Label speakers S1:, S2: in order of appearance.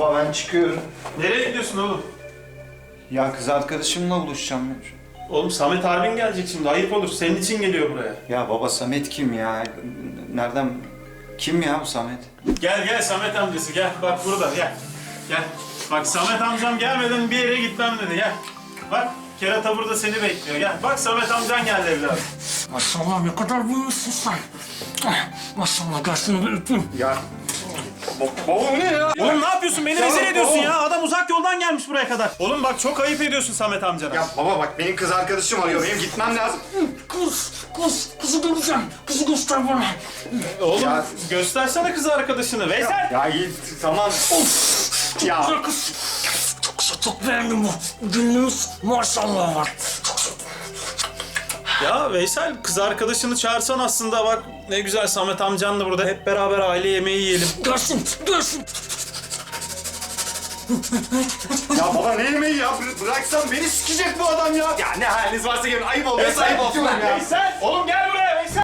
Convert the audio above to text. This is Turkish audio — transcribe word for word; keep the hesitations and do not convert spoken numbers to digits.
S1: Baba ben çıkıyorum.
S2: Nereye gidiyorsun oğlum?
S1: Ya kız arkadaşımla buluşacağım.
S2: Oğlum Samet abin gelecek şimdi. Ayıp olur. Senin için geliyor buraya.
S1: Ya baba Samet kim ya? Nereden? Kim ya bu Samet?
S2: Gel gel Samet amcası gel. Bak burada gel. Gel. Bak Samet amcam gelmeden bir yere gitmem dedi. Gel. Bak kerata burada seni bekliyor. Gel. Bak Samet amcan geldi evladım.
S3: Maşallah ne kadar büyümüşsün sen. Ah, maşallah gel şunu bir öpeyim.
S1: Ya baba bu ne ya?
S2: Oğlum ne yapıyorsun? Beni
S1: Ya
S2: rezil ediyorsun
S1: oğlum.
S2: ya. Adam uzak yoldan gelmiş buraya kadar. Oğlum bak çok ayıp ediyorsun Samet amcana.
S1: Ya baba bak benim kız arkadaşım arıyor. Benim gitmem lazım.
S3: Kız, kız, kızı göreceğim. Kızı göster bana.
S2: Oğlum
S1: Ya-
S2: göstersene kız arkadaşını. Veysel.
S1: Ya iyi tamam.
S3: Of,
S1: Ya.
S3: güzel kız. Çok güzel, çok beğendim bu. Günümüz maşallah var. Çok güzel.
S2: Ya Veysel kız arkadaşını çağırsan aslında bak ne güzel Samet amcanla burada hep beraber aile yemeği yiyelim.
S3: Gelsin, gelsin.
S1: Ya baba ne yemeği ya? Bıraksan beni sikecek bu adam ya. Ya ne haliniz varsa gelin. Ayıp oluyor.
S2: Veysel,
S1: Ayıp olsun ya.
S2: Veysel oğlum gel